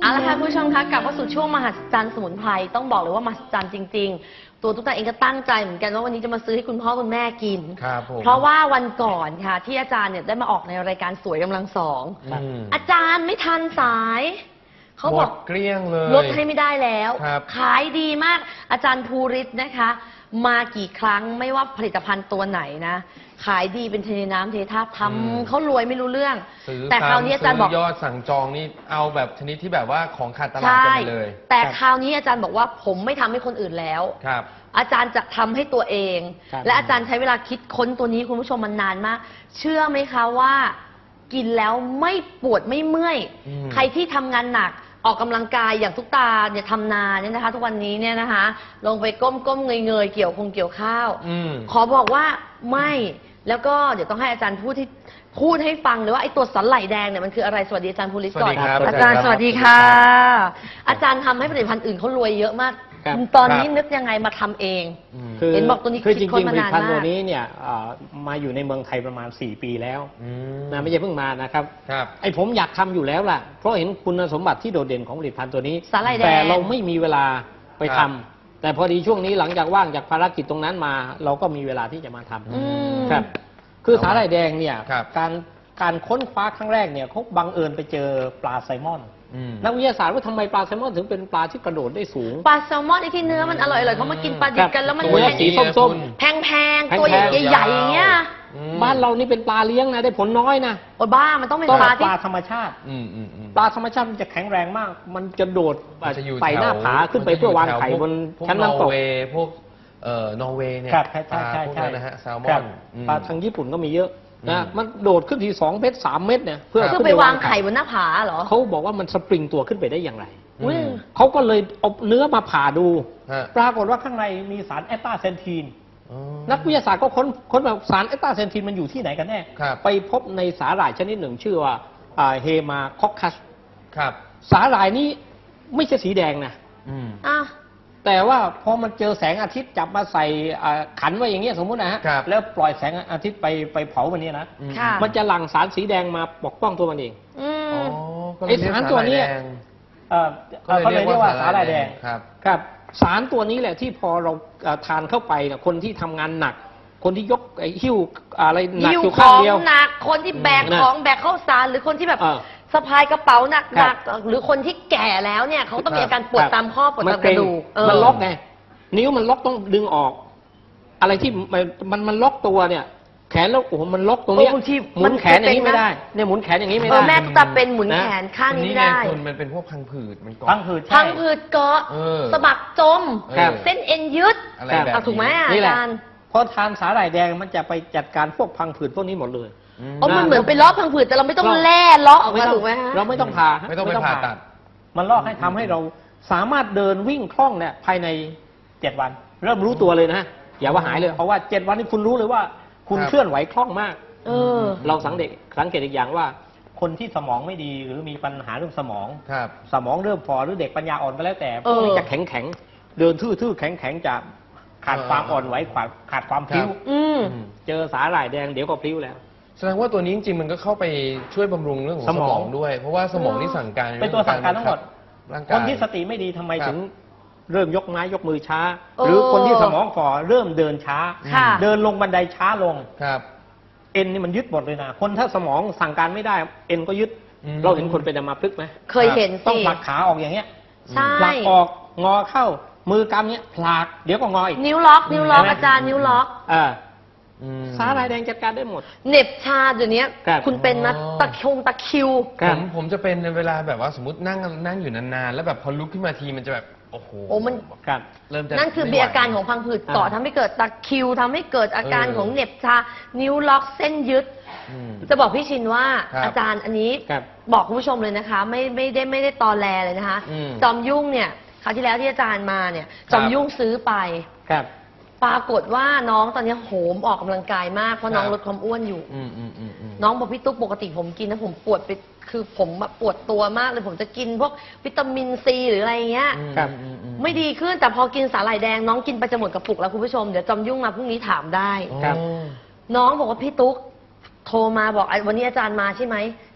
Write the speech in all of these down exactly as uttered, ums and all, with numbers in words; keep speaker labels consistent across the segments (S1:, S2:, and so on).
S1: เอาละค่ะคุณผู้ชมคะกลับมาสู่ช่วงมหัศจรรย์สมุนไพรต้องบอกเลยว่ามหัศจรรย์จริงๆตัวตุ๊กตาเองก็ตั้งใจเหมือนกันว่าวันนี้จะมาซื้อให้คุณพ่อคุณแม่กิน
S2: ครับผม
S1: เพราะว่าวันก่อนค่ะที่อาจารย์เนี่ยได้มาออกในรายการสวยกำลังสองอาจารย์ไม่ทันสายเขาบอก
S2: เกลี้ยงเลย
S1: ลดให้ไม่ได้แล้วขายดีมากอาจารย์ภูริศนะคะมากี่ครั้งไม่ว่าผลิตภัณฑ์ตัวไหนนะขายดีเป็นเทน้ำเทท่าทำเขารวยไม่รู้เรื่องแต่คราวนี้อาจารย์บอก
S2: ยอดสั่งจองนี่เอาแบบชนิดที่แบบว่าของขาดตลาดกันไปเลย
S1: แต่คราวนี้อาจารย์บอกว่าผมไม่ทำให้คนอื่นแล้ว
S2: ครับ
S1: อาจารย์จะทำให้ตัวเองและอาจารย์ใช้เวลาคิดค้นตัวนี้คุณผู้ชมมันนานมากเชื่อไหมคะว่ากินแล้วไม่ปวดไม่เมื่อยใครที่ทำงานหนักออกกำลังกายอย่างทุกตาเนี่ยทำนาเนี่ยนะคะทุกวันนี้เนี่ยนะคะลงไปก้มก้มเงยเงยเกี่ยวคงเกี่ยวข้าวขอบอกว่าไม่แล้วก็เดี๋ยวต้องให้อาจารย์พูดที่พูดให้ฟังเลยว่าไอ้ตัวสันไหลแดงเนี่ยมันคืออะไรสวัสดีอาจารย์ภูริศก่อนอาจารย์สวัสดีค่ะอาจารย์ทำให้ผลิตภัณฑ์อื่นเขารวยเยอะมากตอนนี้นึกยังไงมาทำเองเห็นบอกตัวนี้
S3: คือจริงๆผลิตภัณฑ์ตัวนี้เนี่ยมาอยู่ในเมืองไทยประมาณสี่ปีแล้วนะไม่ใช่เพิ่งมานะครับไอ้ผมอยากทำอยู่แล้วล่ะเพราะเห็นคุณสมบัติที่โดดเด่นของผลิตภัณฑ์ตัวนี้แต่เราไม่มีเวลาไปทำแต่พอดีช่วงนี้หลังจากว่างจากภารกิจตรงนั้นมาเราก็มีเวลาที่จะมาทำครับคือสาหร่ายแดงเนี่ยการการค้นคว้าครั้งแรกเนี่ยเขาบังเอิญไปเจอปลาไซมอนนักวิทยาศาสตร์ว่าทำไมปลาแซลมอนถึงเป็นปลาที่กระโดดได้สูง
S1: ปลาแซลมอนไอ้ที่เนื้อมันอร่อยๆเขามากินปลาดิบกันแล้วมัน
S3: ตัวสีส้ม
S1: ๆแพงๆตัวใหญ่ๆอย่างเงี้ย
S3: บ้านเรานี่เป็นปลาเลี้ยงนะได้ผลน้อยนะ
S1: โอ้บ้ามันต้องเป็นปลาที่
S3: ปลาธรรมชาติปลาธรรมชาติมันจะแข็งแรงมากมันจะโดดไต่หน้าผาขึ้นไปเพื่อวางไข่บนชั้นน้ำตก
S2: พวกเอ่อนอร์เวย์เนี่ยปลาพวกนั้นนะฮะแซลมอน
S3: ปลาทางญี่ปุ่นก็มีเยอะนะมันโดดขึ้นทีสองเมตรสามเมตรเนี่ย
S1: เพื่อขึ้นไปวางไข่บนหน้าผาเหรอ
S3: เขาบอกว่ามันสปริงตัวขึ้นไปได้อย่างไรเขาก็เลยเอาเนื้อมาผ่าดูปรากฏว่าข้างในมีสารแอสตาเซนทีนนักวิทยาศาสตร์ก็ค้นค้นแบบสารแอสตาเซนทีนมันอยู่ที่ไหนกันแน่ไปพบในสาหร่ายชนิดหนึ่งชื่อว่าเฮมาคอคคัสสาหร่ายนี้ไม่ใช่สีแดงนะแต่ว่าพอมันเจอแสงอาทิตย์จับมาใส่ขันไว้อย่างเงี้ยสมมุตินะฮะแล้วปล่อยแสงอาทิตย์ไปไปเผามันนี้นะมันจะหลั่งสารสีแดงมาปกป้องตัวมันเองไอสารตัวนี้เขาเลยเรียกว่าสาหร่ายแดงครับสารตัวนี้แหละที่พอเราทานเข้าไปเนี่ยคนที่ทำงานหนักคนที่ยกไอ้หิ้วอะไรหนักอยู่ข้างเดียว
S1: หนักคนที่แบกของแบกข้าวสารหรือคนที่แบบสะพายกระเป๋าหนักๆหรือคนที่แก่แล้วเนี่ยเขาต้องมีอาการปวดตามข้อปวดตามกระดูก
S3: มันล็อกไงนิ้วมันล็อกต้องดึงออกอะไรที่มันมันล็อกตัวเนี่ยแขนแล้วโอ้โหมันล็อกตรงนี้หมุนแขนอย่างนี้ไม่ได้เนี่ยหมุนแขนอย่างนี้ไม่ได้
S1: แม่ตาเป็นหมุนแขนข้างนี้ไม่ได้
S2: มันเป็นพวกพังผืดมันเกาะ
S3: พังผืด
S1: พังผืดเกาะสะบักจมเส้นเอ็นยืดถูกไหมอาจารย์
S3: พอทานสาหร่ายแดงมันจะไปจัดการพวกพังผืดพวกนี้หมดเลย
S1: อ๋อมันเหมือนไปเลาะพังผืดแต่เราไม่ต้องแล่เลาะออกมาถูกไหมฮะ
S3: เราไม่ต้องผ่า
S2: ไม่ต้องไปผ่าตัด
S3: มันลอกให้ทำให้เราสามารถเดินวิ่งคล่องเนี่ยภายในเจ็ดวันเริ่มรู้ตัวเลยนะอย่าว่าหายเลยเพราะว่าเจ็ดวันนี้คุณรู้เลยว่าคุณเคลื่อนไหวคล่องมาก
S1: เออ
S3: เราสังเกตสังเกตอีกอย่างว่าคนที่สมองไม่ดีหรือมีปัญหาเรื่องสมองสมองเริ่มฝ่อหรือเด็กปัญญาอ่อนก็แล้วแต่พวกนี้จะแข็งแข็งเดินทื่อๆแข็งแข็งจะขาดความอ่อนไหวขาดขาดความพลิ้วเจอสาหร่ายแดงเดี๋ยวก็พลิ้วแล้ว
S2: แสดงว่าตัวนี้จริงๆมันก็เข้าไปช่วยบำรุงเรื่องของสมองด้วยเพราะว่าสมองที่สั่งการ
S3: เป็นตัวสั่งการทั้งหมดคนที่สติไม่ดีทำไมถึงเริ่มยกไม้ยกมือช้าหรือคนที่สมองฝ่อเริ่มเดินช้าเดินลงบันไดช้าลง
S2: ครับ
S3: เอ็นนี่มันยึดหมดเลยนะคนถ้าสมองสั่งการไม่ได้เอ็นก็ยึดเราเห็นคนเป็นอัมพฤกษ์ไหม
S1: เคยเห็น
S3: ต้องผลักขาออกอย่างเงี้ย
S1: ใช่
S3: ผลักออกงอเข้ามือกำเนี้ยผลักเดี๋ยวก็งออีก
S1: นิ้วล็อกนิ้วล็อกอาจารย์นิ้วล็อก
S3: อ่าสาหร่ายแดงจัดการได้หมด
S1: เน็บชาเดี๋ยวนี้คุณเป็นนะตะคงตะคิว
S2: ผมผมจะเป็นในเวลาแบบว่าสมมตินั่งนั่งอยู่นานๆแล้วแบบพอลุกขึ้นมาทีมันจะแบบโอ้โห
S1: โอ้มัน
S2: เริ่มจะ
S1: นั่นคือมีอาการของพังผืดเกาะทำให้เกิดตะคิวทำให้เกิดอาการของเน็บชานิ้วล็อกเส้นยึดจะบอกพี่ชินว่าอาจารย์อันนี้บอกคุณผู้ชมเลยนะคะไม่ไม่ได้ไม่ได้ตอแลเลยนะคะจอมยุ่งเนี่ยคราวที่แล้วที่อาจารย์มาเนี่ยจอมยุ่งซื้อไปปรากฏว่าน้องตอนนี้โหมออกกำลังกายมากเพราะน้องลดความอ้วนอยู่น้องบอกพี่ตุ๊กปกติผมกินนะผมปวดไปคือผมปวดตัวมากเลยผมจะกินพวกวิตามินซีหรืออะไรเงี้ยไม่ดีขึ้นแต่พอกินสาหร่ายแดงน้องกินไปจะหมดกระปุกแล้วคุณผู้ชมเดี๋ยวจอมยุ่งมาพรุ่งนี้ถามได้น้องบอกว่าพี่ตุ๊กโทรมาบอกวันนี้อาจารย์มาใช่ไหม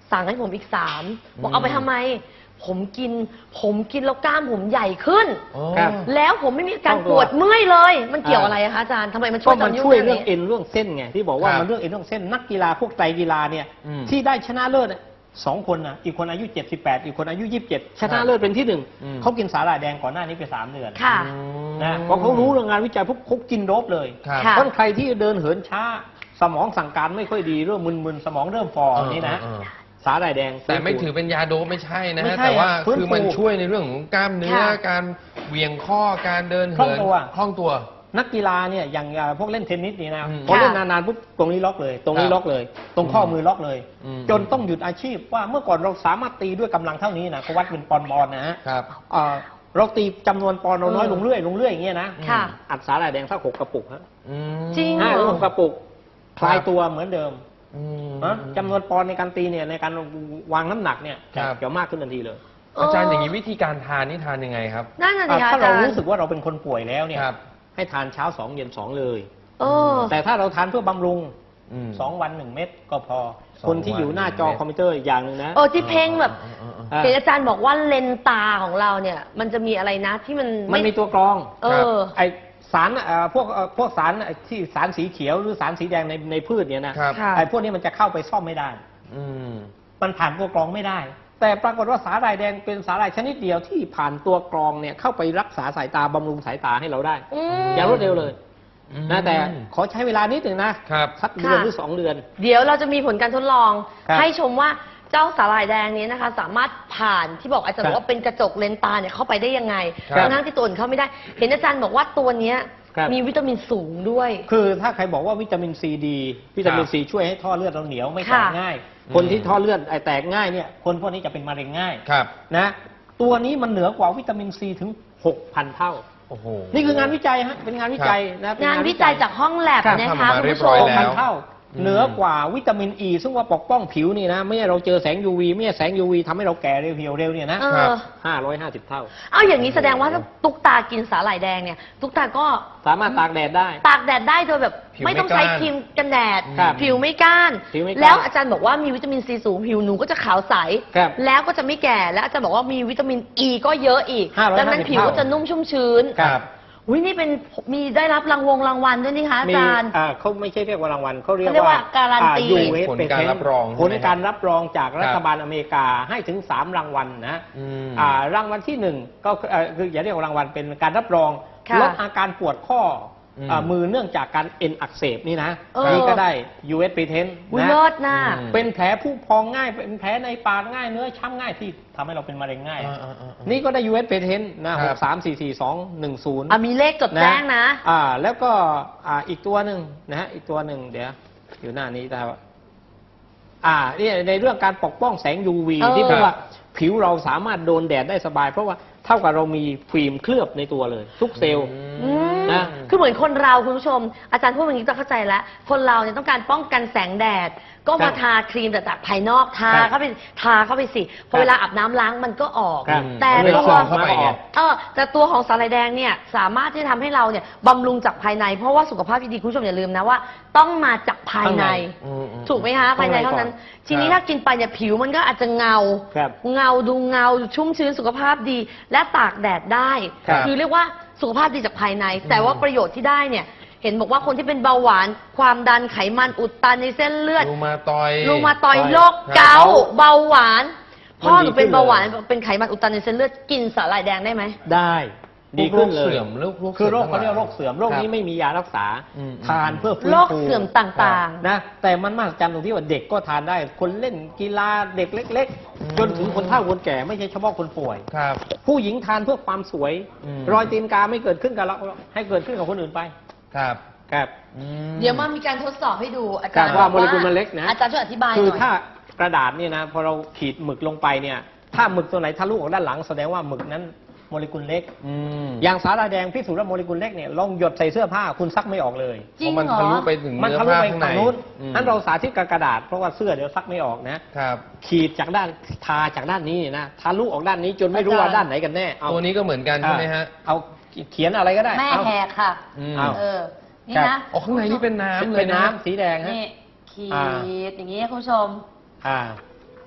S1: สั่งให้ผมอีกสามบอกเอาไปทำไม ผมกิน ผมกินแล้วกล้ามผมใหญ่ขึ้น
S3: ครับ
S1: แล้วผมไม่มีอาการปวดเมื่อยเลย มันเกี่ยวอะไรอะคะอาจารย์ทำไมมันช่
S3: ก็
S1: วยต
S3: มั
S1: อน นยุ่
S3: ช่วย
S1: ง
S3: เรื่อง
S1: นี้
S3: เอ็นเรื่องเส้นไงที่บอกว่า
S2: ครับ
S3: มันเรื่องเอ็นเรื่องเส้นนักกีฬาพวกไตรกีฬาเนี่ย
S2: อืม
S3: ที่ได้ชนะเลิศน่ะสองคนนะอีกคนอายุเจ็ดสิบแปดอีกคนอายุยี่สิบเจ็ดชนะเลิศเป็นที่หนึ่ง
S2: อืม
S3: เขากินสาหร่ายแดงก่อนหน้านี้ไปสามเดือน
S1: ค่ะ
S3: นะเพราะเขารู้เรื่องงานวิจัยพวกเขากินโดบเลย
S2: ครับ
S1: ค่ะ
S3: เพราะใครที่เดินเหินช้าสมองสั่งการไม่ค่อยดีเริ่มมึนๆสมองเริ่มฟอนี่นะ
S2: เออเออ
S3: สาหร่ายแดง
S2: แต่ไม่ถือเป็นยาโดปไม่ใช่นะ
S3: ไม่
S2: ฮะ
S3: ใช่
S2: แต่ว่า
S3: ฟื้นฟู
S2: คือมันช่วยในเรื่องของกล้ามเนื้อ
S1: ค่ะ
S2: การเหวี่ยงข้อการเดิน
S3: คล่อง
S2: เหิน
S3: ตัว
S2: คล่องตัว
S3: นักกีฬาเนี่ยอย่างอ่าพวกเล่นเทนนิสนี่นะ
S2: อืม
S3: พอเล่น
S1: ค่ะ
S3: นานๆปุ๊บตรงนี้ล็อกเลย ตรงนี้
S2: ครับ
S3: ล็อกเลย ตรงข้อมือล็อกเลย
S2: อืม
S3: จนต้องหยุดอาชีพว่าเมื่อก่อนเราสามารถตีด้วยกำลังเท่านี้นะเขาวัดเป็นปอนด์บอลนะฮะ
S2: ครับ
S3: อ่าเราตีจำนวนปอนด์เราน้อย
S1: อืม
S3: ลงเรื่อยลงเรื่อยอย่างเงี้ยนะ
S1: ค่ะ
S3: อัดสาหร่ายแดงสักหกกระปุกฮะ
S2: อืม
S1: จริง
S3: ห้าหรือหกกระปุกคลายตัวเหมือนเดิม
S2: อืม
S3: นะจำนวนปอนด์ในการตีเนี่ยในการวางน้ำหนักเนี่ย
S2: ครับ
S3: จะมากขึ้นทันทีเลย
S2: อาจารย์อย่างนี้วิธีการทานนี่ทานยังไงครับ
S1: นั่นน่ะสิ
S3: อ่า
S1: คะ
S3: ถ้า
S1: อา
S3: เรา
S1: จารย์
S3: รู้สึกว่าเราเป็นคนป่วยแล้วเนี่ย
S2: ครับ
S3: ให้ทานเช้าสองเย็นสองเลย
S1: เออ
S3: แต่ถ้าเราทานเพื่อบำรุง
S2: อืม
S3: สองวันหนึ่งเม็ดก็พอ
S2: สอง
S3: คนที่อยู่หน้าจอ
S2: วันหนึ่งเม็ด
S3: คอมพิวเตอร์อีกอย่างหนึ่งนะ
S1: เออที่เพ่งแบบ
S2: เออเออเออ
S3: อ่า
S1: เห็นอาจารย์บอกว่าเลนส์ตาของเราเนี่ย มันจะมีอะไรนะที่มัน
S3: มันมีตัวกรอง
S1: เออ
S3: ไอสารเอ่อพวกเอ่อพวกสารที่สารสีเขียวหรือสารสีแดงในในพืชเนี่ยนะครับ
S1: ค่ะ
S3: ไอพวกนี้มันจะเข้าไปซ่อมไม่ได้
S2: อืม
S3: มันผ่านตัวกรองไม่ได้ แต่ปรากฏว่าสาหร่ายแดงเป็นสาหร่ายชนิดเดียวที่ผ่านตัวกรองเนี่ยเข้าไปรักษาสายตาบำรุงสายตาให้เราได้
S1: อืม
S3: อย่างรวดเร็วเลย
S2: อืม
S3: นะแต่ขอใช้เวลานิดหนึ่งนะครับ สักเดือน
S1: ค่ะ
S3: หรือสองเดือน
S1: เดี๋ยวเราจะมีผลการทดลอง
S3: ครับ
S1: ให้ชมว่าเจ้าสาหร่ายแดงนี้นะคะ สามารถผ่านที่บอกอาจารย์
S3: ครับ
S1: บอกว่าเป็นกระจกเลนส์ตาเนี่ยเข้าไปได้ยังไง
S2: ครับ
S1: ทั้งๆที่ตัวอื่นเข้าไม่ได้ เห็นอาจารย์บอกว่าตัวเนี้ย
S3: ครับ
S1: มีวิตามินสูงด้วย
S3: คือถ้าใครบอกว่าวิตามินซีดีวิตามินซีช่วยให้ท่อเลือดเราเหนียวไม่แตก
S1: ค่ะ
S3: ง่าย
S2: อืม
S3: คนที่ท่อเลือดไอแตกง่ายเนี่ยคนพวกนี้จะเป็นมะเร็งง่าย
S2: ครับ
S3: นะตัวนี้มันเหนือกว่าวิตามินซีถึง หกพัน เท่า
S2: โอ้โห
S3: นี่คืองานวิจัยฮะเป็นงานวิจัยนะเป็น
S1: งานวิจัยจากห้องแลบ
S3: ครับ
S1: นะ
S2: ทำออก
S1: คะ
S2: มา
S1: คุณ
S2: เรียบ
S1: ผู้ช
S2: ร้อย
S1: ม
S2: แล้
S3: พัน
S2: ว
S3: เท่า
S2: อืม
S3: เหนือกว่าวิตามินอ e, ีซึ่งว่าปกป้องผิวนี่นะไม่ให้เราเจอแสง ยู วี ไม่ให้แสง ยู วี ทำให้เราแก่เร็วเหี่ยวเร็วเนี่ยนะ
S1: เอ
S2: ครั
S1: อ
S2: บ
S3: ห้าร้อยห้าสิบ เท่า
S1: เอาอย่างนี้แสดงว่าถ้าตุ๊กตากินสาหร่ายแดงเนี่ย ตุ๊กตาก็
S3: สามารถตากแดดได้
S1: ตากแดดได้โดยแบบ
S2: ผิว
S1: ไม่ต้อง
S2: ไม่
S1: ใช้
S2: ก้าน
S1: ครีมกันแดด
S3: ครับ
S1: ผิวไม่ก้าน
S3: ผิวไม่ก้าน
S1: แล้วอาจารย์บอกว่ามีวิตามินซีสูงผิวหนูก็จะขาวใส
S3: ครับ
S1: แล้วก็จะไม่แก่แล้วอาจารย์บอกว่ามีวิตามินอ e ีก็เยอะอีก
S3: ห้าร้อย
S1: ดังนั้น
S3: ห้าสิบ
S1: ผิวก็จะนุ่มชุ่มชื้น
S2: ครับ
S1: อุ้ยนี่เป็นมีได้รับรางวงรางวัลด้วยนี่คะอา
S3: มี
S1: จารย์
S3: อ่าเขาไม่ใช่เรียกว่ารางวัลเขาเรียก
S1: เขาเรียก
S3: ว่า
S1: ว่าการันตี
S3: อ่า ยู เอส
S2: ผลการรับรอง
S3: ผลการรับรองจาก
S2: ครับ
S3: รัฐบาลอเมริกาให้ถึงสามรางวัลนะ
S2: อืม
S3: อ่ารางวัลที่หนึ่งก็คือเอ่อคืออย่าเรียกว่ารางวัลเป็นการรับรอง
S1: ค่ะ
S3: ลดอาการปวดข้ออ
S2: ม
S3: อ่ามือเนื่องจากการเอ็นอักเสบนี่นะ
S1: เออ
S3: นี่ก็ได้ ยู เอส Patent
S1: อุ้ย
S3: นะ
S1: เลิศนะ
S2: อืม
S3: เป็นแผลผู้พองง่าย เป็นแผลในปากง่ายเนื้อช้ำง่ายที่ทำให้เราเป็นมะเร็งง่าย
S2: อ่าอ่าอ่าอ่า
S3: นี่ก็ได้ ยู เอส Patent นะ
S2: ค
S3: ห
S2: รับ
S3: กสามสี่สี่สองหนึ่งศูนย์
S1: อ่ะมีเลขจดแจ้งนะ
S3: อ่าแล้วก็อ่าอีกตัวหนึ่งนะฮะอีกตัวหนึ่งเดี๋ยวอยู่หน้านี้แต่ว่าอ่านี่ในเรื่องการปกป้องแสง ยู วี
S1: เออ
S3: ที่เพราะว่าผิวเราสามารถโดนแดดได้สบาย เพราะว่าเท่ากับเรามีฟิล์มเคลือบในตัวเลย ทุกเซลล์
S1: อืม
S3: นะ
S1: คือเหมือนคนเราคุณผู้ชม อาจารย์พูดอย่างนี้จะเข้าใจแล้ว คนเราเนี่ยต้องการป้องกันแสงแดด ก็มา
S3: ครับ
S1: ทาครีมแต่จากภายนอกทา
S3: ครับ
S1: เข้าไปทาเข้าไปสิพ
S3: ครั
S1: อบ เวลาอาบน้ำล้างมันก็ออก
S3: ครับ
S1: แต่
S2: มันเลย
S1: ตัว
S2: ส่องเข้าไปไง
S1: เออแต่ตัวของสาหร่ายแดงเนี่ยสามารถที่จะทำให้เราเนี่ยบำรุงจากภายใน เพราะว่าสุขภาพที่ดีคุณผู้ชมอย่าลืมนะว่า ต้องมาจากภายใน
S2: อืมอืม
S1: ถูกไหมคะภายในเท่านั้น ทีนี้
S2: ครับ
S1: ถ้ากินไปเนี่ยผิวมันก็อาจจะเงา
S3: ครับ
S1: เงาดูเงาชุ่มชื้นสุขภาพดี และตากแดดได้
S2: ครับ
S1: คือเรียกว่าสุขภาพดีจากภายใน แต่ว่าประโยชน์ที่ได้เนี่ย เห็นบอกว่าคนที่เป็นเบาหวาน ความดันไขมันอุดตันในเส้นเลือด
S2: รูมาตอย
S1: รูมาตอย
S3: ครับ
S1: โรคเกาต์เบาหวาน พ่อหนูเป็น
S3: มันดีขึ้นเลย
S1: เบาหวานเป็นไขมันอุดตันในเส้นเลือดกินสาหร่ายแดงได้ไหม
S3: ได้ดีขึ้นเลย
S2: โรคเสื่อมโรคโรค
S3: คือโรค
S2: เสื่อม
S3: เขาเรียกว่าโรคเสื่อมโรค
S2: ครับ
S3: นี้ไม่มียารักษา
S2: อืม
S3: ทานเพื่อฟื้น
S1: โรค
S3: ฟู
S1: เสื่อมต่างๆ
S3: นะแต่มันมหัศจรรย์ตรงที่ว่าเด็กก็ทานได้ คนเล่นกีฬาเด็กเล็ก
S2: อืม
S3: ๆ จนถึงคนเฒ่าคนแก่ไม่ใช่เฉพาะคนป่วย
S2: ครับ
S3: ผู้หญิงทานเพื่อความสวย
S2: อืม
S3: รอยตีนกาไม่เกิดขึ้นกับเราให้เกิดขึ้นกับคนอื่นไป
S2: ครับ
S3: ครับ
S2: อืม
S1: เดี๋ยวมามีการทดสอบให้ดูอา
S3: ครั
S1: จาร
S3: บ
S1: ย์
S3: ว่า
S1: บอ
S3: โมเลกุลมันเล็กนะ
S1: อาจารย์ช่วยอธิบายห
S3: คือ
S1: น่อย
S3: ถ้ากระดาษเนี่ยนะพอเราขีดหมึกลงไปเนี่ยถ้าหมึกตัวไหนทะลุออกด้านหลังแสดงว่าหมึกนั้นโมเลกุลเล็ก
S2: อืม
S3: อย่างสาหร่ายแดงพิสูจน์ว่าโมเลกุลเล็กเนี่ยลองหยดใส่เสื้อผ้าคุณซักไม่ออกเลย
S1: จริง
S2: เพราะมัน
S1: เหรอ
S2: ทะลุไปถึง
S3: มัน
S2: เนื้อ
S3: ทะลุ
S2: ผ้า
S3: ไป
S2: ข้างใน
S3: ฝั่งนู้น
S2: อืม
S3: นั้นเราสาธิตกับกระดาษเพราะว่าเสื้อเดี๋ยวซักไม่ออกนะครับ ขีดจากด้านทาจากด้านนี้นะทะลุออกด้านนี้จนไม่รู้ว่าด้านไหนกันแน่เอา
S2: ตัวนี้ก็เหมือนกันใช่ไหมฮะ
S3: เอาเขียนอะไรก็ได้
S1: แม่
S3: เอา
S1: แหกค่ะ
S2: อืม
S3: เอา
S1: เออ นี่
S3: ครั
S1: นะ
S3: บ
S2: อ๋อข้างในนี่เป็นน้ำเลย
S3: เป็น
S2: นะ
S3: น้ำสีแดงฮะ
S1: นี่ขี
S3: อ่า
S1: ดอย่างนี้คุณผู้ชม
S3: อ่า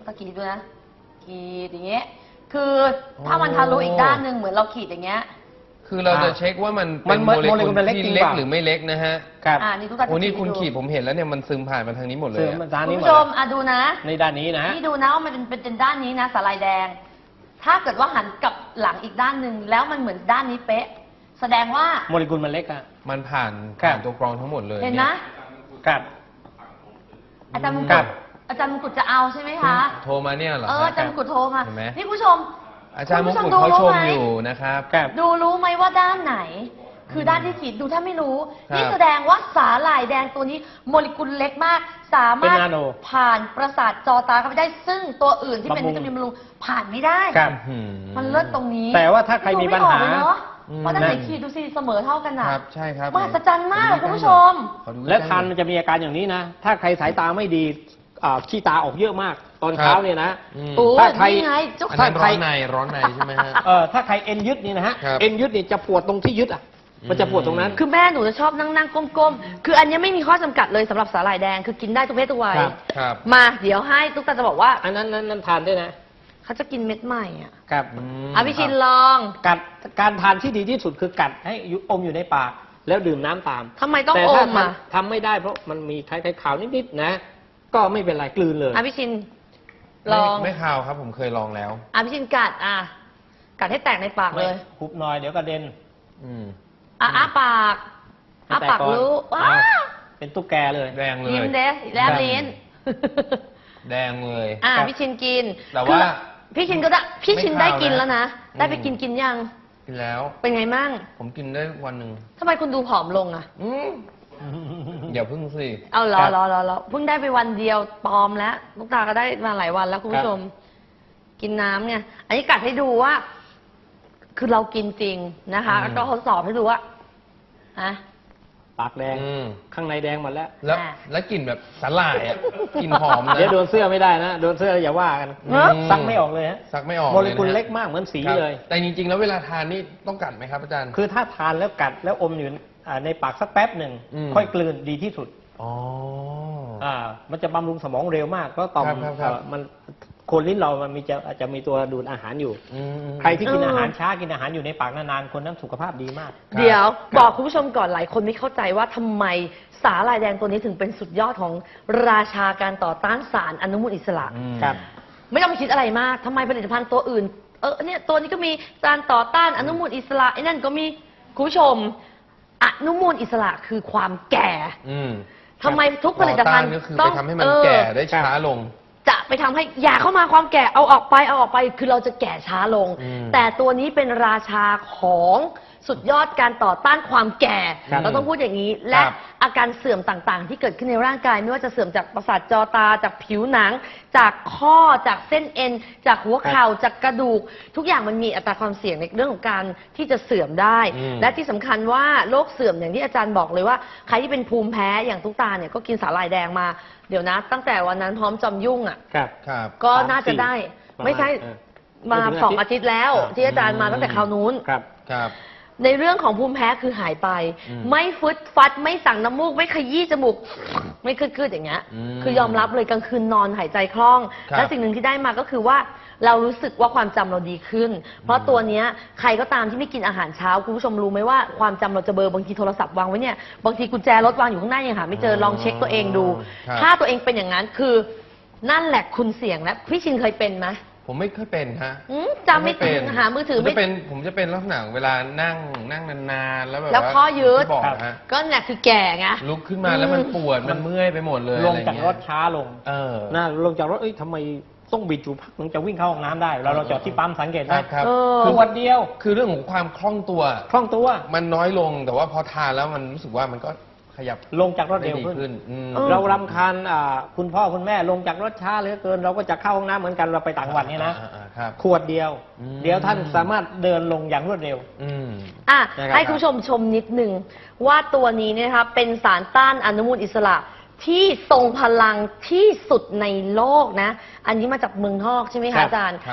S1: ตะขีดด้วยนะขีดอย่างเงี้ยคือถ้ามันทะลุอีกด้านหนึ่งเหมือนเราขีดอย่างเงี้ย
S2: คือเราจะเช็คว่ามันเป็นโมเลกุลที่เล็กหรือไม่เล็กนะฮะ
S3: ครับ
S1: อ่านี่ทุกท่าน
S2: โอ้นี่คุณขีดผมเห็นแล้วเนี่ยมันซึมผ่านมาทางนี้หมดเลย
S3: ซึมมาทาง
S1: คุ
S3: นี้
S1: ณ
S3: หมด
S1: ผู้ชมอ่ะดูนะ
S3: ในด้านนี้นะฮะ
S1: นี่ดูนะว่ามันเป็นเป็นด้านนี้นะสาลายแดง ถ้าเกิดว่าหันกลับหลังอีกด้านหนึ่งแล้วมันเหมือนด้านนี้เป๊ะ แสดงว่า
S3: โมเลกุลมันเล็กอะ
S2: มันผ่าน
S3: ครับ
S2: ผ่านตัวกรองทั้งหมดเลย
S1: เห็นนะ
S3: ครับ
S1: อาจารย์มง
S3: ค
S1: กุ
S3: รั
S1: ฎ
S3: บ
S1: อาจารย์มงกุฎจะเอาใช่ไหมคะ
S2: โทรมาเนี่ยเหรอ
S1: เอออาจารย์มงกุฎโทรมา
S2: เห็นไหม
S1: นี่ผู้ชม
S2: อาจารย์มงกุฎ
S1: คุณ
S2: เขา
S1: ผู้
S2: ช
S1: รู้
S2: ม
S1: ไห
S2: อยู่นะครับ
S3: ครับ
S1: ดูรู้ไหมว่าด้านไหน คือด้านที่ขีดดูถ้าไม่รู้
S2: ครับ
S1: นี่แสดงว่าสาหร่ายแดงตัวนี้โมเลกุลเล็กมาก สามารถ
S3: เป็นนาโน
S1: ผ่านประสาทจอตาเข้าไปได้ ซึ่งตัวอื่นที่เป็น
S3: บำรุ
S1: วิ
S3: ง
S1: ตามินบำรุงผ่านไม่ได้
S3: ครับ
S2: อื
S1: มันเลิศตรงนี้
S3: แต่ว่าถ้าใครมีปัญหา
S1: ดูไม่ออกเลยเนอะ
S2: อืม
S1: เพราะด้านไหนขีดดูสิเสมอเท่ากัน
S2: ค
S1: นะ
S2: รับใช่ครับ
S1: มหัศจรรย์มากคุณผู้ชม
S2: ขอดู
S3: และ
S2: ใกล้ๆ
S3: ทานมันจะมีอาการอย่างนี้นะ ถ้าใครสายตาไม่ดีอ่าขี้ตาออกเยอะมาก ตอนเช้าเนี่ยนะ
S2: อืม
S1: โอ้
S3: ถ้าใคร
S1: นี่ไงเจ้า
S2: อัน
S1: ค่ะ
S2: นั้นร้อนในร้อนในใช่ไหมฮะ
S3: เออถ้าใครเอ็นยึดนี่นะฮะ
S2: ครับ
S3: เอ็นยึดนี่จะปวดตรงที่ยึดอ่ะ มันจะปวดตรงนั้น
S1: คือแม่หนูจะชอบนั่งนั่งๆก้มๆ คืออันนี้ไม่มีข้อจำกัดเลยสำหรับสาหร่ายแดง คือกินได้ทุกเพศทุกวัย
S3: ครับ
S2: ครับ
S1: มาเดี๋ยวให้ตุ๊กตาจะบอกว่า
S3: อันนั้นนั้นนั้นทานได้นะ
S1: เขาจะกินเม็ดใหม่อ่ะ
S3: ครับ
S2: อืม
S1: อ่ะพี่ชินลอง
S3: กัดการทานที่ดีที่สุดคือกัดให้อยู่อมอยู่ในปาก แล้วดื่มน้ำตาม
S1: ทำไมต้อง
S3: แต่
S1: อ
S3: ถ้าม
S1: อ่ะ
S3: ทำทำไม่ได้เพราะมันมีคล้ายๆขาวนิดๆนะ ก็ไม่เป็นไรกลืนเลย
S1: อ่ะพี่ชินลอง
S2: ไม่ไม่ข่าวครับผมเคยลองแล้ว
S1: อ่ะพี่ชินกัดอ่ะกัดให้แตกในปากเลย
S3: คุบหน่อยเดี๋ยวกระเด็น
S2: อืม
S1: อ่ะอ้าปากอ้าปาก
S3: ให้แต
S1: รู้
S3: ก่อน
S1: ว้า
S3: อ่ะเป็นตุ๊กแกเลย
S2: แดงเลย
S1: ยิ้มเดสแลบลิ้น
S2: แดงเลย
S1: อ่ะ
S3: ครับ
S1: พี่ชินกิน
S2: แต่ว่า
S1: คือพี่ชินก็ได้พี่ชิน
S2: ไม่
S1: ได้
S2: ข่าว
S1: กิน
S2: นะ
S1: แล้วนะ ได้ไป
S2: อืม
S1: กินกินยัง
S2: กินแล้ว
S1: เป็นไงมั่ง
S2: ผมกินได้วันหนึ่ง
S1: ทำไมคุณดูผอมลงอ่ะ
S2: อืมอย่าพึ่งสิ
S1: เอาเหรอ
S3: ครับ
S1: เหรอเหรอเหรอเพิ่งได้ไปวันเดียวปลอมแล้วลูกตาก็ได้มาหลายวันแล้วคุณผู้ชม กินน้ำไงอันนี้กัดให้ดูว่า คือเรากินจริงนะคะ
S2: อืม
S1: แล้วก็ทดสอบให้ดูว่าฮะ
S3: ปากแดง
S2: อืม
S3: ข้างในแดงหมดแล้ว
S2: แล้ว
S1: อ่า
S2: แล้วกลิ่นแบบสาหร่ายอ่ะกลิ่นหอมนะ
S3: เดี๋ยวโดนเสื้อไม่ได้นะ โดนเสื้ออย่าว่ากัน
S2: อืม
S3: ซักไม่ออกเลยฮะ
S2: ซักไม่ออก
S3: โมเลกุล
S2: ยนะฮะ
S3: เล็กมากเหมือนสี
S2: ครับ
S3: เลย
S2: แต่จริงๆ แล้วเวลาทานนี่ต้องกัดไหมครับอาจารย์
S3: คือถ้าทานแล้วกัดแล้วอมอยู่อ่าในปากสักแป๊บหนึ่ง
S2: อืม
S3: ค่อยกลืนดีที่สุด
S2: อ๋อ
S3: อ่ามันจะบำรุงสมองเร็วมากเพราะต่อม
S2: ครับครับครับ
S3: เอ่อมันโคนลิ้นเรามันมีจะอาจจะมีตัวดูดอาหารอยู่
S2: อืม
S3: ใครที่กิน
S1: เอออ
S3: อาหารช้ากินอาหารอยู่ในปากนานๆคนนั้นสุขภาพดีมาก
S2: ครับ
S1: เดี๋ยว
S2: ครับ
S1: บอกคุณผู้ชมก่อนหลายคนไม่เข้าใจว่าทำไมสาหร่ายแดงตัวนี้ถึงเป็นสุดยอดของราชาการต่อต้านสารอนุมูลอิสระ
S2: อืม
S3: ครับ
S1: ไม่ต้องไปคิดอะไรมากทำไมผลิตภัณฑ์ตัวอื่น เออเนี่ยตัวนี้ก็มีสารต่อต้านอนุมูลอิสระไอ้นั่นก็มีคุณผู้ชม อนุมูลอิสระคือความแก่
S2: อืม
S1: ทำไมทุกผลิตภัณฑ์
S2: ต่อต้านก็คือ
S1: ต้
S2: ไป
S1: อง
S2: ทำให้มัน
S1: เออ
S2: แก่ได้ช้าลง
S1: จะไปทำให้อย่าเข้ามาความแก่เอาออกไปเอาออกไป คือเราจะแก่ช้าลง
S2: อืม
S1: แต่ตัวนี้เป็นราชาของสุดยอดการต่อต้านความแก่
S3: ครับ
S1: เราต้องพูดอย่างนี้ และ
S2: ครับ
S1: อาการเสื่อมต่างๆ ที่เกิดขึ้นในร่างกาย ไม่ว่าจะเสื่อมจากประสาทจอตา จากผิวหนัง จากข้อจากเส้นเอ็น จากหัวเข่าจากกระดูก ทุกอย่างมันมีอัตราความเสี่ยงในเรื่องของการที่จะเสื่อมได้
S2: อืม
S1: และที่สำคัญว่าโรคเสื่อมอย่างที่อาจารย์บอกเลยว่าใครที่เป็นภูมิแพ้อย่างตุ๊กตาเนี่ยก็กินสาหร่ายแดงมาเดี๋ยวนะ ตั้งแต่วันนั้นพร้อมจอมยุ่งอ่ะ
S3: ครับ
S2: ครับ
S1: ก็น่าจะได้
S3: ประมาณ
S1: ไม่ใช่
S3: เออ
S1: มา
S3: ไม่ถึง
S1: สอง
S3: อา
S1: อา
S3: ทิ
S1: ทิ
S3: ต
S1: ต
S3: ย์
S1: ย์แล้ว ที่อาจารย์มาตั้งแต่คราวนู้น
S3: ครับ
S2: ครับ
S1: ในเรื่องของภูมิแพ้คือหายไป
S2: อืม
S1: ไม่ฟึดฟัดไม่สั่งน้ำมูก ไม่ขยี้จมูก ไม่คืดๆอย่างเงี้ย
S2: อืม
S1: คือยอมรับเลยกลางคืนนอนหายใจคล่อง
S2: ครับ
S1: และสิ่งหนึ่งที่ได้มาก็คือว่าเรารู้สึกว่าความจำเราดีขึ้น เพราะตัวเนี้ยใครก็ตามที่ไม่กินอาหารเช้าคุณผู้ชมรู้ไหมว่าความจำเราจะเบลอบางทีโทรศัพท์วางไว้เนี่ยบางทีกุญแจรถวางอยู่ข้างหน้ายังหาไม่เจอลองเช็คตัวเองดู
S2: ครับ
S1: ถ้าตัวเองเป็นอย่างนั้นคือนั่นแหละคุณเสี่ยงแล้วพี่ชินเคยเป็นไหม
S2: ผมไม่เคยเป็นฮะ
S1: อืมจำไม่
S2: เป็น
S1: หามือถือ
S2: ผม
S1: ไม่
S2: จะเป็นผมจะเป็นลักษณะเวลานั่งนั่งนานๆแล้วแบบ
S1: แล้ว
S2: ว่า
S1: ข้อยืด
S2: ที่บอกฮะ
S1: ก็เนี่ยคือแก่ไง
S2: ลุกขึ้นมาแล้วมันปวดมันเมื่อยไปหมดเลย
S3: ลง
S2: อะไร
S3: จาก
S2: เงี้ย
S3: รถช้าลง
S2: เออ
S3: นะลงจากรถเอ้ยทำไมต้องบิดอยู่พักถึงจะวิ่งเข้าห้องน้ำได้เราเราจอดที่ปั๊มสังเกต
S2: ค
S3: ไหม
S2: รับครับ
S1: เออ
S3: คือวันเดียว
S2: คือเรื่องของความคล่องตัว
S3: คล่องตัว
S2: มันน้อยลงแต่ว่าพอทานแล้วมันรู้สึกว่ามันก็ขยับ
S3: ลงจากรถ
S2: ได้
S3: เร็ว
S2: ดี
S3: ขึ้น
S2: ขึ้นอืม
S1: เออ
S3: เรารำคาญอ่าคุณพ่อคุณแม่ลงจากรถช้าเหลือเกิน เราก็จะเข้าห้องน้ำเหมือนกันเราไปต่างจังหวัดเนี่ยนะ
S2: อ่าอ่าครับ
S3: ขวดเดียว
S2: อืม
S3: เดี๋ยวท่านสามารถเดินลงอย่างรวดเร็ว
S2: อืม
S1: อ่ะ
S3: นะครับ
S1: ให้คุณผู้ชมชมนิดหนึ่งว่าตัวนี้เนยนะคะเป็นสารต้านอนุมูลอิสระที่ทรงพลังที่สุดในโลกนะ อันนี้มาจากเมืองนอกใช่ไหม
S3: ครั
S1: คะ
S3: บ
S1: อาจารย์
S2: ครับ
S3: ครับ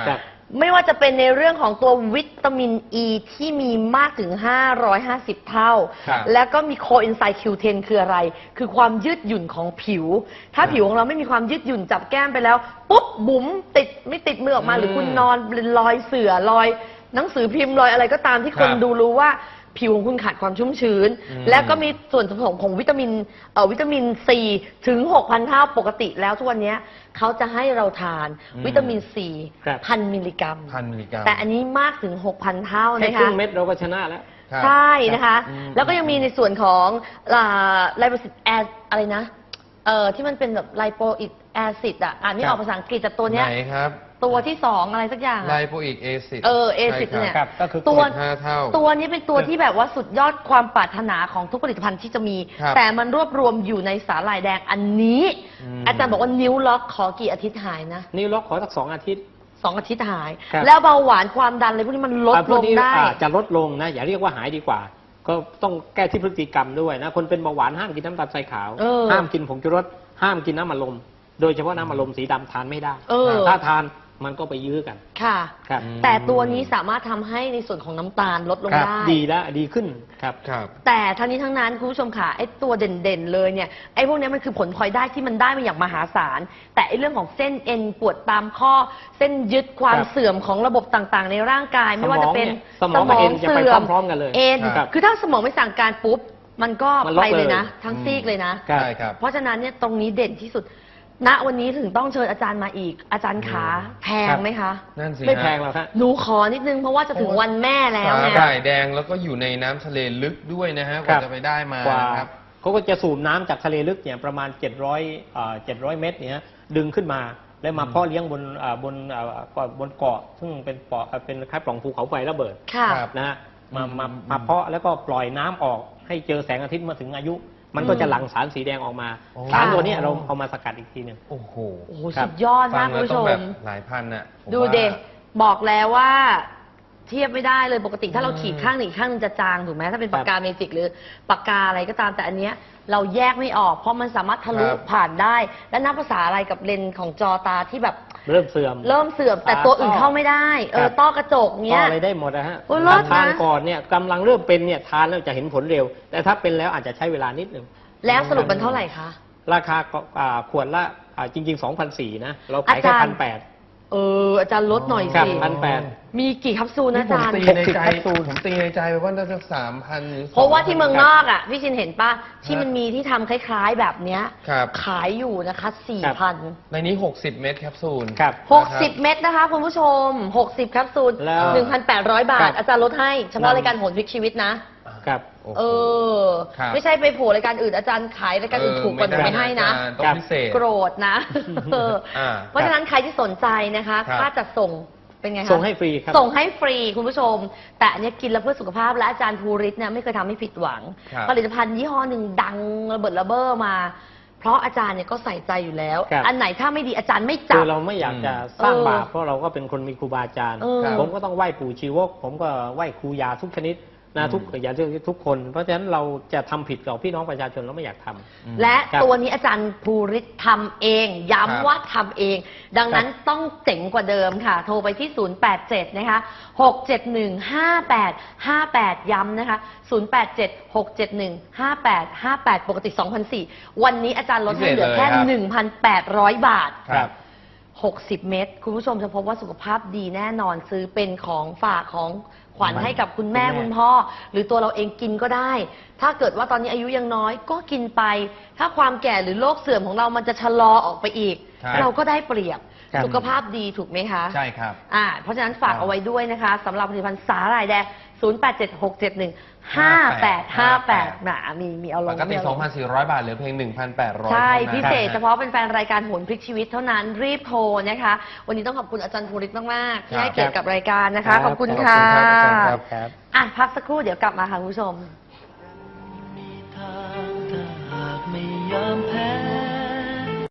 S1: ไม่ว่าจะเป็นในเรื่องของตัววิตามินอ e ีที่มีมากถึงห้าร้อยห้าสิบเท่า
S2: ครับ
S1: แล้วก็มีโคเอนไซม์ คิว เท็น คืออะไร คือความยืดหยุ่นของผิว ถ้าผิวของเราไม่มีความยืดหยุ่นจับแก้มไปแล้ว ปุ๊บ บุ๋มติดไม่ติดมือออกมา
S2: อืม
S1: หรือคุณนอนเป็นรอยเสือรอยหนังสือพิมพ์รอยอะไรก็ตามที่คน
S2: ครับ
S1: ดูรู้ว่าผิวของคุณขาดความชุ่มชื้น
S2: อืม
S1: แล้วก็มีส่วนผสมของวิตามินเอ่อวิตามินซีถึง หกพัน เท่าปกติแล้วทุกวันนี้เขาจะให้เราทานวิตามินซี
S3: ครับ
S1: พันมิลลิกรัม
S2: พันมิลลิกรัม
S1: แต่อันนี้มากถึง หกพัน เท่า
S3: แค่
S1: นะ
S3: ครึ่
S1: คะ
S3: งเม็ดเราก็ชนะแล้ว
S2: ครับ
S1: ใช่นะคะ
S2: อืม
S1: แล้วก็ยังมีในส่วนของไลโปซิตแออะไรนะเอ่อที่มันเป็นแบบไลโปอิกแอซิดอ่ะอ่านไม่ออกภาษาอังกฤษแต่ตัวเนี้ย
S2: ไหนครับ
S1: ตัวที่สองอะไรสักอย่าง
S2: ไล
S1: อะ
S2: โปอิกแอซิด
S1: เออ acid เนี่ย
S3: ครับก็คือ
S1: ตัว
S2: สิบห้าเท่า
S1: ตัวนี้เป็นตัวที่แบบว่าสุดยอดความปรารถนาของทุกผลิตภัณฑ์ที่จะมี
S2: ครับ
S1: แต่มันรวบรวมอยู่ในสาหร่ายแดงอันนี้
S2: อืม
S1: อาจารย์บอกว่านิ้วล็อกขอกี่อาทิตย์หายนะ
S3: นิ้วล็อกขอสักสองอาทิตย์
S1: สองอาทิตย์หาย
S3: ครับ
S1: แล้วเบาหวานความดันอะไรพวกนี้มันลด
S3: อ่าพ
S1: ล
S3: วก
S1: ง
S3: นี้
S1: ได้
S3: อ่าจะลดลงนะ อย่าเรียกว่าหายดีกว่า ก็ต้องแก้ที่พฤติกรรมด้วยนะ คนเป็นเบาหวานห้ามกินน้ำตาลทรายขาว
S1: เออ
S3: ห้ามกินผงชูรสห้ามกินน้ำมันลม โดยเฉพาะน้ำมันลมสีดำทานไม่ได้
S1: เออ
S3: ถ้าทานมันก็ไปยื้อกัน
S1: ค่ะ
S3: ครับ
S1: แต่ตัวนี้สามารถทำให้ในส่วนของน้ำตาลลดลง
S3: ครับ
S1: ได้
S3: ดีแล้วดีขึ้นครับ
S2: ครับ
S1: แต่ทั้งนี้ทั้งนั้นคุณผู้ชมค่ะไอ้ตัวเด่นๆเลยเนี่ยไอ้พวกเนี้ยมันคือผลพลอยได้ที่มันได้มาอย่างมหาศาล แต่ไอ้เรื่องของเส้นเอ็นปวดตามข้อ เส้นยึดความ
S3: ครับ
S1: เสื่อมของระบบต่างๆ ในร่างกาย ไม่ว่าจะเป็น
S3: สมองเนี่ยสมองกับเอ็นจะไปพร้อมๆกันเลย
S1: เอ็น
S3: ครับ
S1: คือถ้าสมองไม่สั่งการปุ๊บมันก็
S3: มันล็อ
S1: ไป
S3: ก
S1: เลย
S3: เลย
S1: นะ ทั้งซีกเลยนะ
S3: ครับ
S2: ใช่ครับ
S1: เพราะฉะนั้นเนี่ยตรงนี้เด่นที่สุด ณวันนี้ถึงต้องเชิญอาจารย์มาอีก อาจารย์ขาแพงไหมคะ
S2: นั่นสิ
S3: ไม่
S2: ฮะ
S3: แพงหรอกครับ
S1: หนูขอนิดนึงเพราะว่าจะถึงวันแม่แล้ว
S2: สา
S1: ไง
S2: หร่ายแดงแล้วก็อยู่ในน้ำทะเลลึกด้วยนะฮะก
S3: ครั
S2: ว่า
S3: บ
S2: จะไปได้มาก
S3: ว่า
S2: นะครับ
S3: เขาก็จะสูบน้ำจากทะเลลึกเนี่ยประมาณเจ็ดร้อยเอ่อเจ็ดร้อยเมตรเนี่ยดึงขึ้นมาแล้วมา
S2: อืม
S3: เพาะเลี้ยงบนอ่าบนอ่าเกาะบนเกาะ ซึ่งเป็นเกาะอ่าเป็นคล้ายปล่องภูเขาไฟระเบิด
S1: ค่ะ
S2: ครับ
S3: นะฮะมามา
S2: อืม
S3: มาเพาะแล้วก็ปล่อยน้ำออกให้เจอแสงอาทิตย์มาถึงอายุ มันก็จะหลั่งสารสีแดงออกมา
S2: โอ้
S3: สารตัวเนี้ยเราเอามาสกัดอีกทีหนึ่ง
S2: โอ้โห
S1: โอ้โห
S3: ครับ
S1: สุดยอด
S2: ฟั
S1: มาก
S2: ง
S1: คุ
S2: แล้ว
S1: ณผู้
S2: ต้
S1: ช
S2: องแบ
S1: ม
S2: บหลายพันน่ะผม
S1: ดู
S2: ว่า
S1: เด็บอกแล้วว่า เทียบไม่ได้เลยปกติถ้าเราขีดข้างหนึ่งอีกข้างหนึงจะจางถูกไหมถ้าเป็นปากกาเมจิกหรือปากกาอะไรก็ตามแต่อันเนี้ยเราแยกไม่ออก เพราะมันสามารถทะลุ
S2: ครับ
S1: ผ่านได้ และนับภาษาอะไรกับเลนส์ของจอตาที่แบบ
S3: เริ่มเสื่อม
S1: เริ่มเสื่อม แต่ตัวอื่นเข้าไม่ได้ เอ
S3: ครั
S1: อบ ต้อกระจก
S3: ก็
S1: เนี้ย
S3: อะไรได้หมดนะฮะ
S1: โอ้ยเลิศนะ
S3: ถ้าทานก่อนเนี่ยกำลังเริ่มเป็นเนี่ยทานแล้วจะเห็นผลเร็ว แต่ถ้าเป็นแล้วอาจจะใช้เวลานิดหนึ่ง
S1: แล้วสรุปมันเท่าไหร่คะ
S3: ราคาก็อ่าขวดละอ่าจริงๆ สองพันสี่ร้อย นะ เราขายแค่
S1: อาจารย์
S3: พันแปด
S1: เอออาจารย์ลดหน่อย
S3: ครับ
S1: สิ
S3: พันแปด
S1: มีกี่แคปซูลนะ
S2: นี่
S1: อา
S2: ผม
S1: จารย์
S2: ตีในใจ
S3: หกสิบแคปซูล
S2: ผมตีในใจไปว่าน่าจะสามพันหรือ
S1: เพราะว่าที่เมืองน
S2: ส
S1: อกอ่ะพี่ชินเห็นป่ะที่มันมีที่ทำคล้ายๆแบบเนี้ย
S2: ครับ
S1: ขายอยู่นะคะสี่
S3: ครับ
S1: พัน
S2: ในนี้หกสิบเม็ดแคปซูล
S3: ครับ
S1: หกสิบเม็ดนะคะคุณผู้ชมหกสิบแคปซูล
S3: แล้ว
S1: หนึ่งพันแปดร้อยบา
S3: ครั
S1: ท
S3: บ
S1: อาจารย์ลดให้เฉพาะ
S3: นำ
S1: รายการโหนพลิกชีวิตนะ
S3: ครับ
S2: โอ้โห
S1: เออ
S2: ครับ
S1: ไม่ใช่ไปโผล่รายการอื่นอาจารย์ขายรายการอื่นถูกกว่าหนูไม่ให้นะ
S2: อาจารย์ต้องพิเศษ
S1: โกรธนะเออ
S2: อ่า
S1: เพราะฉะนั้นใครที่สนใจนะคะ
S2: ครับ
S1: ค่าจัดส่งเป็นไงคะ
S3: ส่งให้ฟรีครับ
S1: ส่งให้ฟรีคุณผู้ชม แต่อันเนี้ยกินแล้วเพื่อสุขภาพและอาจารย์ภูริศเนี่ยไม่เคยทำให้ผิดหวัง
S2: ครับ
S1: ผลิตภัณฑ์ยี่ห้อหนึ่งดังระเบิดระเบ้อมา เพราะอาจารย์เนี่ยก็ใส่ใจอยู่แล้ว
S3: ครับ
S1: อันไหนถ้าไม่ดีอาจารย์ไม่จั
S3: คื
S1: บ
S3: อเราไม่อยากจะสร้าง
S1: เออ
S3: บาปเพราะเราก็เป็นคนมีครูบาอาจารย์
S1: เออ
S3: ผมก็ต้องไหว้ปู่ชีวก ผมก็ไหว้ครูยาทุกชนิดนะ
S2: อืม
S3: ทุกอย่าเรียกทุกคน เพราะฉะนั้นเราจะทำผิดกับพี่น้องประชาชนเราไม่อยากทำ
S2: อืม
S1: และ
S3: ครับ
S1: ตัวนี้อาจารย์ภูริศทำเอง
S2: ครับ
S1: ย้ำว่าทำเอง ดังนั้น
S3: ครับ
S1: ต้องเจ๋งกว่าเดิมค่ะ โทรไปที่ ศูนย์ แปด เจ็ด นะคะ หก เจ็ด หนึ่ง ห้า แปด ห้า แปด ย้ำนะคะ ศูนย์ แปด เจ็ด หก เจ็ด หนึ่ง ห้า แปด ห้า แปด ปกติ สองพันสี่ร้อย วันนี้อาจารย์ลดให้เหลือแค่
S2: พิเศษเลยครับ
S1: หนึ่งพันแปดร้อย บาท
S2: ครับ
S1: หกสิบ เม็ดคุณผู้ชมจะพบว่าสุขภาพดีแน่นอนซื้อเป็นของฝากของขวัญให้กับคุณแม่
S3: คุณแม่
S1: คุณพ่อ หรือตัวเราเองกินก็ได้ ถ้าเกิดว่าตอนนี้อายุยังน้อยก็กินไป ถ้าความแก่หรือโรคเสื่อมของเรามันจะชะลอออกไปอีก
S2: ครับ
S1: เราก็ได้เปรียบ
S3: ครับ
S1: สุขภาพดีถูกไหมคะ
S2: ใช่ครับ
S1: อ่าเพราะฉะนั้นฝาก
S2: ครับ
S1: เอาไว้ด้วยนะคะสำหรับผลิตภัณฑ์สาหร่ายแดง ศูนย์ แปด เจ็ด หก เจ็ด หนึ่ง ห้า แปด ห้า แปด หนามีมีเอาล
S2: ป
S1: ง
S2: กติ
S1: มีเอาล
S2: สองพันสี่ร้อย บาทเหลือเพียง หนึ่งพันแปดร้อย
S1: ใช่
S2: ท่านั้น
S1: พิเศษ
S2: นะฮะ
S1: เฉพาะเป็นแฟนรายการโหนพลิกชีวิตเท่านั้นรีบโทรนะคะ วันนี้ต้องขอบคุณอาจารย์ภูริศมากๆที่ให้เกียรติกับรายการนะคะ ขอบคุณค่ะ
S2: ขอบคุณครับอาจารย์ครับ
S3: ครับ
S1: อ่ะพักสักครู่เดี๋ยวกลับมาค่ะคุณผู้ชม
S4: มีทางถ้าหากไม่ยอมแพ้